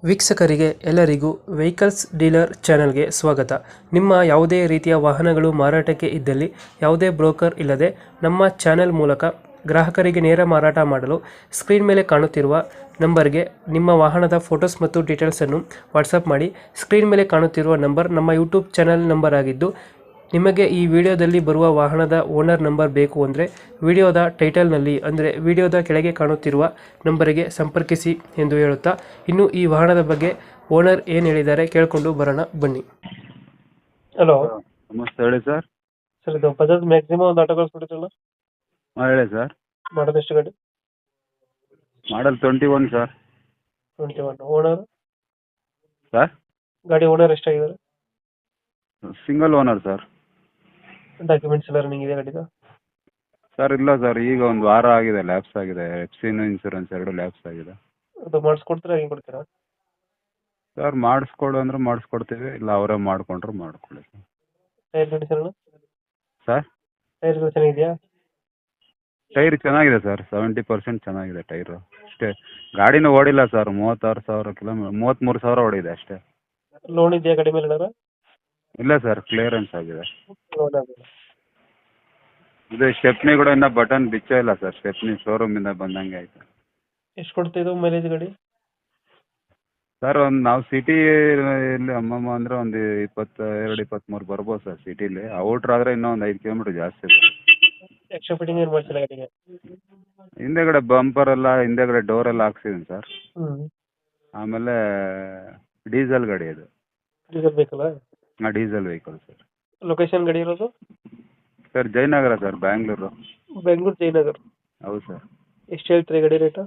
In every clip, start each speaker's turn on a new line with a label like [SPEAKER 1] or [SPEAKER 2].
[SPEAKER 1] ವೀಕ್ಷಕರಿಗೆ ಎಲ್ಲರಿಗೂ vehicles dealer ಚಾನೆಲ್ಗೆ ಸ್ವಾಗತ. ನಿಮ್ಮ ಯಾವುದೇ ರೀತಿಯ ವಾಹನಗಳು ಮಾರಾಟಕ್ಕೆ ಇದ್ದಲ್ಲಿ ಯಾವುದೇ ಬ್ರೋಕರ್ ಇಲ್ಲದೆ ನಮ್ಮ ಚಾನೆಲ್ ಮೂಲಕ ಗ್ರಾಹಕರಿಗೆ ನೇರ ಮಾರಾಟ ಮಾಡಲು ಸ್ಕ್ರೀನ್ ಮೇಲೆ ಕಾಣುತ್ತಿರುವ ನಂಬರ್ಗೆ ನಿಮ್ಮ ವಾಹನದ ಫೋಟೋಸ್ ಮತ್ತು ಡೀಟೇಲ್ಸನ್ನು ವಾಟ್ಸಪ್ ಮಾಡಿ. ಸ್ಕ್ರೀನ್ ಮೇಲೆ ಕಾಣುತ್ತಿರುವ ನಂಬರ್ ನಮ್ಮ ಯೂಟ್ಯೂಬ್ ಚಾನೆಲ್ ನಂಬರ್ ಆಗಿದ್ದು, ನಿಮಗೆ ಈ ವಿಡಿಯೋದಲ್ಲಿ ಬರುವ ವಾಹನದ ಓನರ್ ನಂಬರ್ ಬೇಕು ಅಂದರೆ ವಿಡಿಯೋದ ಟೈಟಲ್ನಲ್ಲಿ ಅಂದರೆ ವಿಡಿಯೋದ ಕೆಳಗೆ ಕಾಣುತ್ತಿರುವ ನಂಬರಿಗೆ ಸಂಪರ್ಕಿಸಿ ಎಂದು ಹೇಳುತ್ತಾ, ಇನ್ನು ಈ ವಾಹನದ ಬಗ್ಗೆ ಓನರ್ ಏನು ಹೇಳಿದ್ದಾರೆ ಕೇಳಿಕೊಂಡು ಬರೋಣ ಬನ್ನಿ. ಹಲೋ
[SPEAKER 2] ನಮಸ್ತೆ, ಹೇಳಿ ಸರ್.
[SPEAKER 1] ಸರ್, ಇದು ಬಜಾಜ್ ಮ್ಯಾಕ್ಸಿಮಮ್ ಒಂದು ಆಟೋ ಕಳಿಸ್ಬಿಟ್ಟಿದ್ರಲ್ಲ,
[SPEAKER 2] ಹಾಂ ಹೇಳಿ ಸರ್.
[SPEAKER 1] ಮಾಡೋದು ಎಷ್ಟು ಗಾಡಿ?
[SPEAKER 2] Model 21 sir.
[SPEAKER 1] 21. ಓನರ್
[SPEAKER 2] ಸರ್
[SPEAKER 1] ಗಾಡಿ ಓನರ್ ಎಷ್ಟಾಗಿದ್ದಾರೆ?
[SPEAKER 2] Single owner sir.
[SPEAKER 1] ಡಾಕ್ಯುಮೆಂಟ್ಸ್ ಎಲ್ಲ ರನ್ನಿಂಗ್ ಇದೆ ಗಾಡಿದು?
[SPEAKER 2] ಸರ್ ಇಲ್ಲ ಸರ್, ಈಗ ಒಂದು ವಾರ ಆಗಿದೆ, ಲ್ಯಾಪ್ಸ್ ಆಗಿದೆ. ಎಫ್ಸಿನು ಇನ್ಸೂರೆನ್ಸ್ ಎರಡು ಲ್ಯಾಪ್ಸ್ ಆಗಿದೆ.
[SPEAKER 1] ಅದು ಮಾಡಿಸ್ಕೊಡ್ತೀರಾ, ಹೆಂಗೆ ಕೊಡ್ತೀರಾ?
[SPEAKER 2] ಸರ್ ಮಾಡಿಸ್ಕೊಡು ಅಂದ್ರೆ ಮಾಡಿಸ್ಕೊಡ್ತೀವಿ, ಇಲ್ಲ ಅವರೇ ಮಾಡ್ಕೊಂಡ್ರೆ ಮಾಡ್ಕೊಳ್ಳಿ ಸರ್.
[SPEAKER 1] Tyre condition?
[SPEAKER 2] ಸರ್
[SPEAKER 1] ಟೈರ್ಗಳು ಚೆನ್ನಾಗಿದೆಯಾ?
[SPEAKER 2] ಟೈರ್ ಚೆನ್ನಾಗಿದೆ ಸರ್, 70% ಚೆನ್ನಾಗಿದೆ ಟೈರು. ಅಷ್ಟೇ, ಗಾಡಿನೂ ಓಡಿಲ್ಲ ಸರ್. 36,000 ಕಿಲೋಮೀಟರ್, 33,000 ಓಡಿದೆ ಅಷ್ಟೇ.
[SPEAKER 1] ಲೋನ್ ಇದೆಯಾ ಗಾಡಿ ಮೇಲೆ ಏನಾರ?
[SPEAKER 2] ಇಲ್ಲ ಸರ್, ಕ್ಲಿಯರೆನ್ಸ್ ಆಗಿದೆ.
[SPEAKER 1] ಲೋನ್ ಆಗಿದೆ.
[SPEAKER 2] ಇದು ಸ್ಟೆಪ್ನಿ ಕೂಡ ಇನ್ನೂ ಬಟನ್ ಬಿಚ್ಚೇ ಇಲ್ಲ ಸರ್. ಸ್ಟೆಪ್ನಿ ಶೋರೂಮಿಂದ ಬಂದಂಗೆ ಆಯಿತು.
[SPEAKER 1] ಎಷ್ಟು ಕೊಡ್ತಿದ್ದು ಮೈಲೇಜ್ ಗಾಡಿ?
[SPEAKER 2] ಸರ್ ಒಂದು ನಾವು ಸಿಟಿ ಇಲ್ಲಿ ಅಮ್ಮಮ್ಮ ಅಂದರೆ ಒಂದು 22-23 ಬರ್ಬೋದು ಸರ್ ಸಿಟೀಲಿ. ಔಟ್ರ್ ಆದರೆ ಇನ್ನೂ ಒಂದು 5 ಕಿಲೋಮೀಟ್ರ್ ಜಾಸ್ತಿ ಇದೆ.
[SPEAKER 1] ಎಕ್ಸ್ಟ್ರಾ ಫಿಟ್ಟಿಂಗ್ ಏನು ಮಾಡ್ಸಿಲ್ಲ ಗಾಡಿಗೆ?
[SPEAKER 2] ಹಿಂದೆಗಡೆ ಬಂಪರ್ ಎಲ್ಲ, ಹಿಂದೆಗಡೆ ಡೋರ್ ಎಲ್ಲ ಹಾಕ್ಸಿದ್ದೀನಿ ಸರ್. ಆಮೇಲೆ ಡೀಸೆಲ್ ಗಾಡಿ ಅದು.
[SPEAKER 1] ಡೀಸೆಲ್ ಬೇಕಲ್ಲ?
[SPEAKER 2] ಹಾಂ, ಡೀಸೆಲ್ ವೆಹಿಕಲ್ ಸರ್.
[SPEAKER 1] ಲೊಕೇಶನ್ ಗಾಡಿ ಇರೋದು?
[SPEAKER 2] Sir Jayanagar sir, Bangalore.
[SPEAKER 1] Bengaluru Jayanagar.
[SPEAKER 2] ಹೌದು ಸರ್.
[SPEAKER 1] ಎಷ್ಟು ಹೇಳ್ತೀರಿ ಗಾಡಿ ರೇಟು?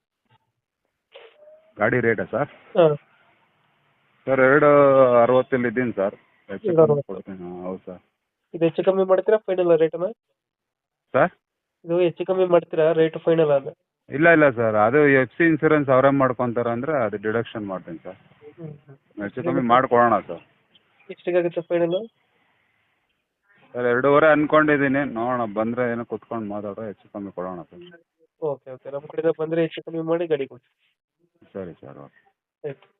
[SPEAKER 2] ಗಾಡಿ ರೇಟಾ ಸರ್?
[SPEAKER 1] ಹಾಂ
[SPEAKER 2] ಸರ್ 260 ಇದ್ದೀನಿ ಸರ್. ಹೆಚ್ಚು ಕಮ್ಮಿ ಕೊಡ್ತೀನಿ. ಹೌದು ಸರ್.
[SPEAKER 1] ಇದು ಹೆಚ್ಚು ಕಮ್ಮಿ ಮಾಡ್ತೀರಾ ಫೈನಲ್ ರೇಟನ್ನ?
[SPEAKER 2] ಸರ್
[SPEAKER 1] ಇದು ಹೆಚ್ಚು ಕಮ್ಮಿ ಮಾಡ್ತೀರಾ ರೇಟ್ ಫೈನಲ್ ಅದ?
[SPEAKER 2] ಇಲ್ಲ ಇಲ್ಲ ಸರ್, ಅದು ಎಫ್ ಸಿ ಇನ್ಸೂರೆನ್ಸ್ ಅವರೇ ಮಾಡ್ಕೊತಾರೆ ಅಂದರೆ ಅದು ಡಿಡಕ್ಷನ್ ಮಾಡ್ತೀನಿ ಸರ್. ಹೆಚ್ಚು ಕಮ್ಮಿ ಮಾಡಿಕೊಡೋಣ ಸರ್.
[SPEAKER 1] ಎಷ್ಟಿಗಾಗುತ್ತೆ ಫೈನಲ್?
[SPEAKER 2] ಸರ್ 2.5 ಅಂದ್ಕೊಂಡಿದ್ದೀನಿ, ನೋಡೋಣ, ಬಂದರೆ ಏನೋ ಕುತ್ಕೊಂಡು ಮಾತಾಡೋ, ಹೆಚ್ಚು ಕಮ್ಮಿ ಕೊಡೋಣ ಸರ್.
[SPEAKER 1] ಓಕೆ ಓಕೆ, ನಮ್ಮ ಕಡೆಯಿಂದ ಬಂದರೆ ಹೆಚ್ಚು ಕಮ್ಮಿ ಮಾಡಿ ಗಾಡಿ ಕೊಡಿ.
[SPEAKER 2] ಸರಿ ಸರ್, ಓಕೆ.
[SPEAKER 1] ಆಯ್ತು.